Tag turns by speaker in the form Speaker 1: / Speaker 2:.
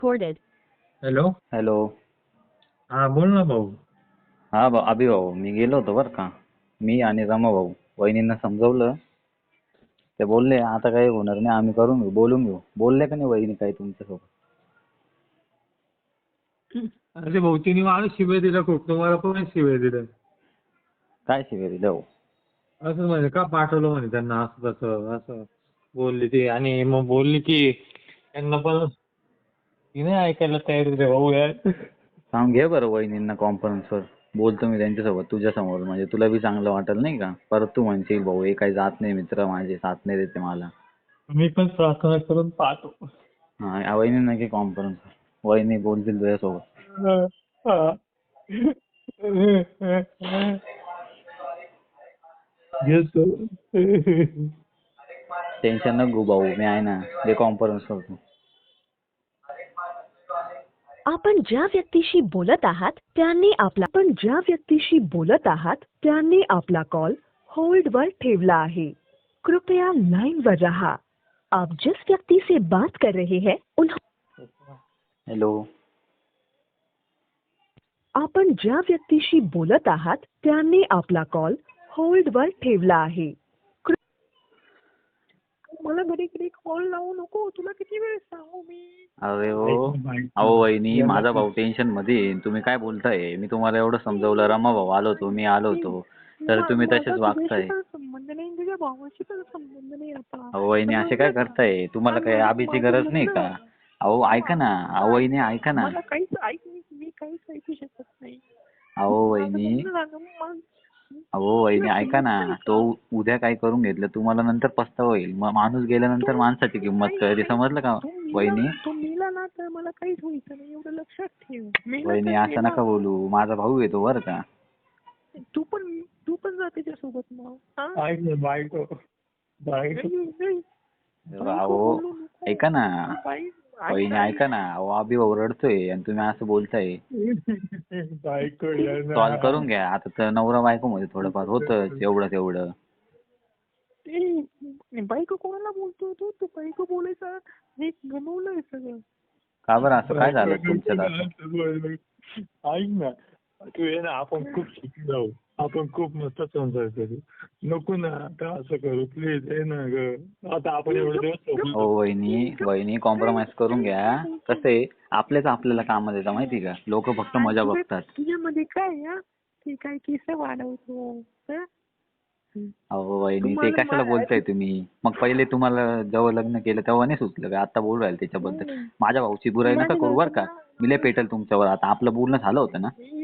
Speaker 1: recorded.
Speaker 2: Hello.
Speaker 3: Hello.
Speaker 2: हा बोल ना भाऊ.
Speaker 3: हा अभि भाऊ, मी गेलो होतो बरं का. मी आणि रमा भाऊ वहिनींना समजवलं. ते बोलले आता काही होणार नाही, आम्ही करून घेऊ, बोलून घेऊ. बोलले का नाही वहिनी काही तुमच्यासोबत?
Speaker 2: अरे भाऊ तिने मला शिव्या दिल्या खूप, तुम्हाला पण शिव्या दिल्या.
Speaker 3: काय शिव्या दिल्या हो?
Speaker 2: असं म्हणजे का पाठवलं म्हणे त्यांना, असं तसं असं बोलली ती. आणि मग बोलली की त्यांना पण ती नाही ऐकायला तयार होते भाऊ यार.
Speaker 3: सांग घे बरं वहिनींना कॉन्फरन्सवर. बोलतो मी त्यांच्यासोबत तुझ्यासमोर, म्हणजे तुला बी चांगलं वाटेल नाही का. परत तू म्हणशील भाऊ हे काही जात नाही, मित्र माझे साथ नाही देते मला.
Speaker 2: मी पण प्रार्थना करून पाहतो.
Speaker 3: हा वहिनींना घे कॉन्फरन्सवर, वहिनी बोलतील तुझ्यासोबत.
Speaker 2: घेतो.
Speaker 3: टेन्शन नको घेऊ भाऊ, मी आहे ना, घे कॉन्फरन्स करतो.
Speaker 1: आपण ज्या व्यक्तीशी बोलत आहात त्यांनी आपला कॉल होल्ड वर ठेवला आहे. कृपया लाइन पर रहा. आप जिस व्यक्ति से बात कर रहे हैं
Speaker 3: हॅलो.
Speaker 1: आपण ज्या व्यक्तीशी बोलत आहात त्यांनी आपला कॉल होल्ड वर ठेवला आहे. मला घडी घडी कॉल लावू नको, तुला किती वेळ सांगू मी.
Speaker 3: अरे हो. अहो वहिनी, माझा भाऊ टेन्शन मध्ये आहे. तुम्ही काय बोलताय? मी तुम्हाला एवढं समजवलं, रमा भाऊ आलो होतो, मी आलो होतो, तर तुम्ही तसेच वागताय.
Speaker 1: संबंध नाही, तुझ्या भावाशी पण संबंध नाही आता.
Speaker 3: अहो वहिनी असे काय करताय? तुम्हाला काय आबीची गरज नाही का? अहो ऐका ना, अहो वहिनी ऐका ना.
Speaker 1: मला काहीच मी काहीच ऐकू शकत नाही.
Speaker 3: अहो वहिनी, अहो वहिनी ऐका ना. तो उद्या काय करून घेतलं तुम्हाला नंतर पस्तावा होईल. माणूस गेल्यानंतर माणसाची किंमत कळते, समजलं का वहिनी?
Speaker 1: तो मेला ना तर मला काहीच व्हायचं नाही, एवढं लक्षात ठेव.
Speaker 3: वहिनी असं नका बोलू, माझा भाऊ येतो बरं का.
Speaker 1: तू पण जा त्याच्यासोबत मग.
Speaker 2: बायको.
Speaker 3: अहो ऐका ना वहिनी, ऐका ना. अहो अभि भाऊ रडतोय आणि तुम्ही असं बोलताय. सॉल्व करून घ्या आता. तर नवरा बायको मध्ये थोडंफार होतच, एवढं तेवढं.
Speaker 1: बायको कोणाला बोलतो तू बायको बोलायचा हे गमवलंय सगळं.
Speaker 3: का बरं असं काय झालं तुमच्यात आता?
Speaker 2: ऐक ना, तू ये ना, आपण खूप सुखी जाऊ, आपण खूप मस्त संसार करू. नको ना आता असं करू प्लीज, आहे ना ग. आता आपण एवढे दिवस
Speaker 3: हो वहिनी कॉम्प्रोमाइज करून घ्या. कसं आहे, आपल्याच आपल्याला कामात येतं माहिती का. लोक फक्त मजा बघतात.
Speaker 1: तुझ्यामध्ये काय ते काय केस वाढवतो.
Speaker 3: अहो वहिनी, ते कशाला बोलताय तुम्ही? मग पहिले तुम्हाला जेव्हा लग्न केलं तेव्हा नाही सुचलं का? आता बोलू राहिले त्याच्याबद्दल. माझ्या भाऊची बुराई नका करू बरं का. मी लय पेटल तुमच्यावर. आता आपलं बोलणं झालं होतं ना.